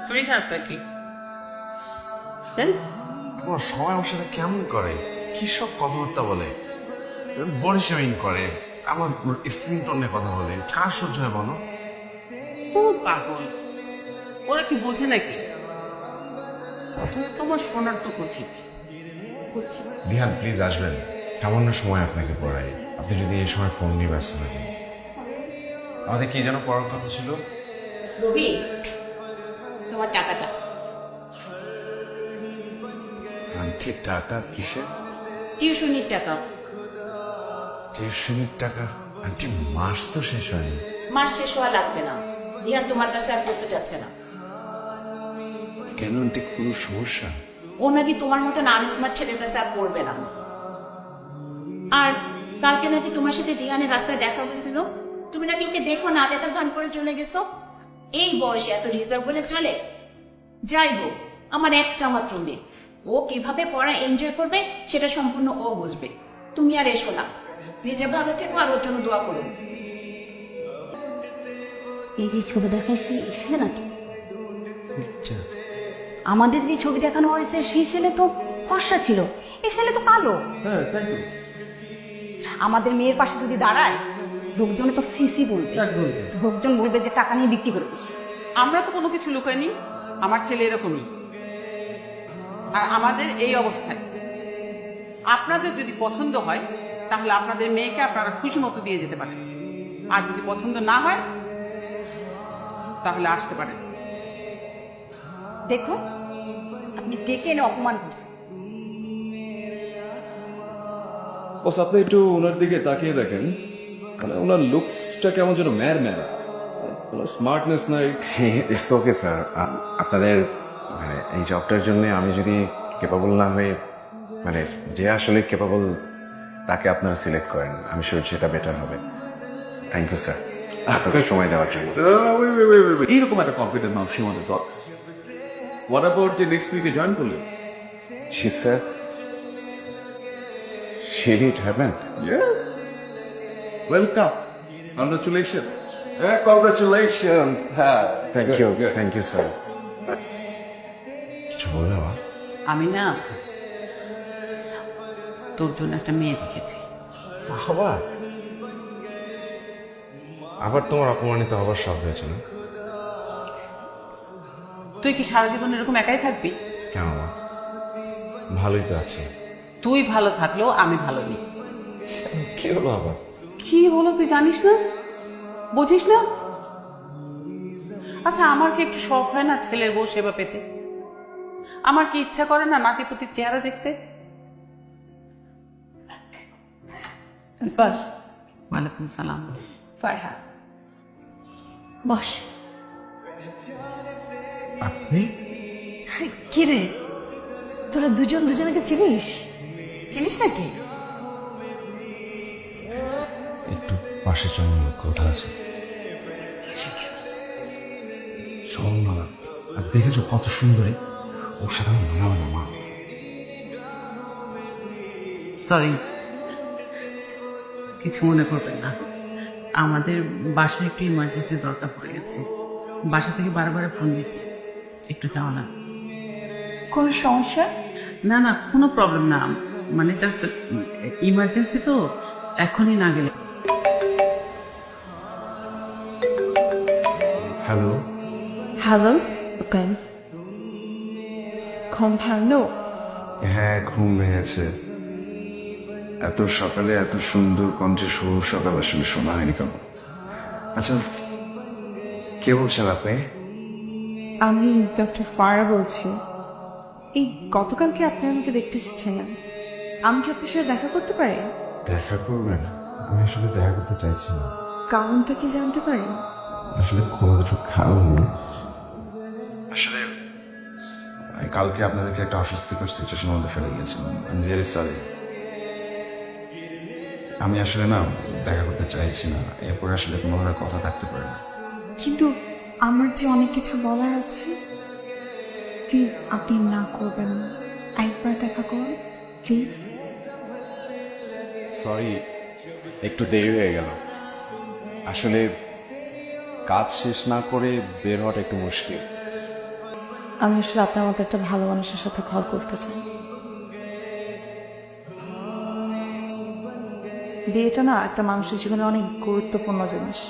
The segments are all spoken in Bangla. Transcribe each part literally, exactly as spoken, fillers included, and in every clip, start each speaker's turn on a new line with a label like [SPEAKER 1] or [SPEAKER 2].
[SPEAKER 1] শরীর খারাপটা কি দেন?
[SPEAKER 2] তোমার সময় আমার সাথে কেমন করে, কি সব কথাবার্তা বলে, বডি শেমিং করে, আমার স্ক্রিন টোনে কথা বলে, কার সহ্য হয় বলো?
[SPEAKER 1] তো পাগল, ওরা কি বোঝে নাকি? তুই তোমার সোনার টুকু ছিপি।
[SPEAKER 2] দিহান প্লিজ আসবেন, সামান্য সময় আপনাকে পড়াই। আপনি যদি এই সময় ফোন নিয়ে ব্যস্ত থাকেন। আমাদের কি যেন পড়ার কথা ছিল?
[SPEAKER 3] রবি, তোমার টাকাটা।
[SPEAKER 2] আন্টি টাকা কিসের?
[SPEAKER 3] টিউশনির টাকা।
[SPEAKER 2] টিউশনির টাকা? আন্টি মাস তো শেষ হয়নি।
[SPEAKER 3] মাস শেষ হওয়া লাগবে না, রিহান তোমার কাছে আর পড়তে যাচ্ছে না।
[SPEAKER 2] কেন আন্টি, কোনো সমস্যা?
[SPEAKER 3] ও নাকি তোমার মতন আনস্মার্ট ছেলের কাছে আর পড়বে না। আর কালকে নাকি তোমার সাথে রিহানের রাস্তায় দেখা হয়েছিল, তুমি নাকি ওকে দেখো না দেখার ভান করে চলে গেছো। এই বয়সে এত রিজার্ভ বলে চলে? যাই হোক, আমার একটা মাত্র মেয়ে, ও কিভাবে পড়া এনজয় করবে সেটা সম্পূর্ণ ও বুঝবে। তুমি আর এসো না, নিজে ভালো থেকো আর ওর জন্য দোয়া করো।
[SPEAKER 4] এই যে ছবি দেখাইছি ছেলে নাকি? আমাদের যে ছবি দেখানো হয়েছে সেই ছেলে তো ফর্সা ছিল, এই ছেলে তো কালো।
[SPEAKER 5] হ্যাঁ তাই তো,
[SPEAKER 4] আমাদের মেয়ের পাশে যদি দাঁড়ায় লোকজনে তো সিসি বলবে, লোকজন বলবে যে টাকা নিয়ে বিক্রি করে দিচ্ছে।
[SPEAKER 1] আমরা তো কোনো কিছু লুকাইনি, আমার ছেলে এরকমই। আর আমাদের এই অবস্থায় আপনাদের যদি পছন্দ হয় তাহলে আপনাদের মেয়েকে আপনারা খুশি মতো দিয়ে যেতে পারেন, আর যদি পছন্দ না হয় তাহলে আসতে পারেন।
[SPEAKER 4] দেখো, আপনি ডেকে এনে অপমান করছেন।
[SPEAKER 5] বস আপনি একটু ওনার দিকে তাকিয়ে দেখেন, মানে ওনার লুকসটা কেমন যেন ম্যার ম্যারা, স্মার্টনেস নাই।
[SPEAKER 2] ইটস ওকে স্যার, আপনাদের মানে এই জবটার জন্য আমি যদি কেপাবল না হয়ে, মানে যে আসলে কেপাবল তাকে আপনারা সিলেক্ট করেন, আমি শিওর সেটা বেটার হবে। থ্যাংক ইউ স্যার আপনাদের সময় দেওয়ার জন্য।
[SPEAKER 5] এইরকম একটা কম্পিটেন্ট মানুষ আমাদের দরকার। হোয়াট অ্যাবাউট যে নেক্সট উইকে জয়েন করলেন?
[SPEAKER 2] জি sir, shall it happen.
[SPEAKER 5] Welcome, congratulation.
[SPEAKER 2] হ্যাঁ, কংগ্রাচুলেশনস। হ্যাঁ, thank you, thank you sir. কিছু বলবে বাবা?
[SPEAKER 1] আমি না তোর জন্য একটা মেয়ে দেখেছি।
[SPEAKER 2] আবার আবার তোমার অপমানিত হবার শখ হয়েছে না?
[SPEAKER 1] তুই কি সারা জীবন এরকম একাই থাকবি?
[SPEAKER 2] কেন মা, ভালোই তো আছে।
[SPEAKER 1] তুই ভালো থাকলেও আমি ভালো নেই।
[SPEAKER 2] কি হলো আবার?
[SPEAKER 1] কি হলো তুই জানিস না, বুঝিস না? আচ্ছা, আমার কি একটু শখ হয় না ছেলের বউ সেবা পেতে? আমার কি ইচ্ছা করে না নাতিপুতির চেহারা দেখতে?
[SPEAKER 4] বাস
[SPEAKER 1] ওয়ালাইকুম সালাম।
[SPEAKER 4] ফারহা, বস।
[SPEAKER 2] আপনি?
[SPEAKER 4] কি রে, তোরা দুজন দুজনকে চিনিস?
[SPEAKER 1] চিনিস নাকি?
[SPEAKER 2] একটু পাশে চল, কথা আছে। চল না। আর দেখেছো কত সুন্দরী, ওর সাথে আমি মানাবো না মা।
[SPEAKER 1] সরি, কিছু মনে করবেন না, আমাদের বাসায় একটু ইমার্জেন্সি দরকার পড়ে গেছে। বাসা থেকে বারবার ফোন দিচ্ছে, একটু যাও না।
[SPEAKER 4] কোন সমস্যা?
[SPEAKER 1] না না, কোনো প্রবলেম না, মানে জাস্ট ইমার্জেন্সি তো, এখনই না গেলে।
[SPEAKER 2] হ্যালো।
[SPEAKER 6] Hello, okay. ঘুম ভাঙলো?
[SPEAKER 7] হ্যাঁ ঘুম ভেঙেছে। এত সকালে এত সুন্দর কণ্ঠে শুভ সকাল আসলে শোনা হয়নি কেন? আচ্ছা, কে বলছেন আপনি?
[SPEAKER 6] আমি ডক্টর ফারা বলছি। এই গতকালকে আপনি আমাকে দেখতে এসেছিলেন, আমি কি আপনার সাথে দেখা করতে পারি?
[SPEAKER 2] দেখা করবেন? আমি আসলে দেখা করতে চাইছি না।
[SPEAKER 6] কারণটা কি জানতে পারি?
[SPEAKER 2] আসলে কোনো কিছু খাওয়ানি। আসলে কালকে আপনাদেরকে একটা অস্বস্তিকর সিচুয়েশনের মধ্যে ফেলে গিয়েছিলাম। আমি রিয়েলি সরি। আমি আসলে না দেখা করতে চাইছি না, এরপরে আসলে কোনো ধরনের কথা থাকতে পারে না।
[SPEAKER 6] কিন্তু আমার যে অনেক কিছু বলার আছে, প্লিজ আপনি না করবেন না, একবার দেখা করুন প্লিজ।
[SPEAKER 5] সরি, একটু দেরি হয়ে গেল। আসলে কাজ শেষ না করে বের হওয়াটা একটু মুশকিল।
[SPEAKER 6] আমি আসলে আপনার মতো একটা ভালো মানুষের সাথে ঘর করতে চাই। বিয়েটা না একটা মানুষের জীবনে অনেক গুরুত্বপূর্ণ জিনিস।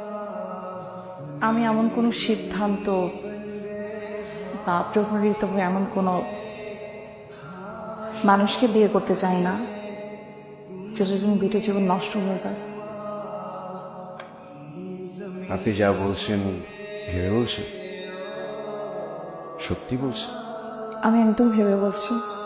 [SPEAKER 6] আমি এমন কোনো সিদ্ধান্ত বা প্রভাবিত হয়ে এমন কোনো মানুষকে বিয়ে করতে চাই না যেটার জন্য বিয়েটা জীবন নষ্ট হয়ে যায়।
[SPEAKER 2] আপনি যা বলছেন ভেবে বলছেন, সত্যি বলছেন?
[SPEAKER 6] আমি একদম ভেবে বলছি।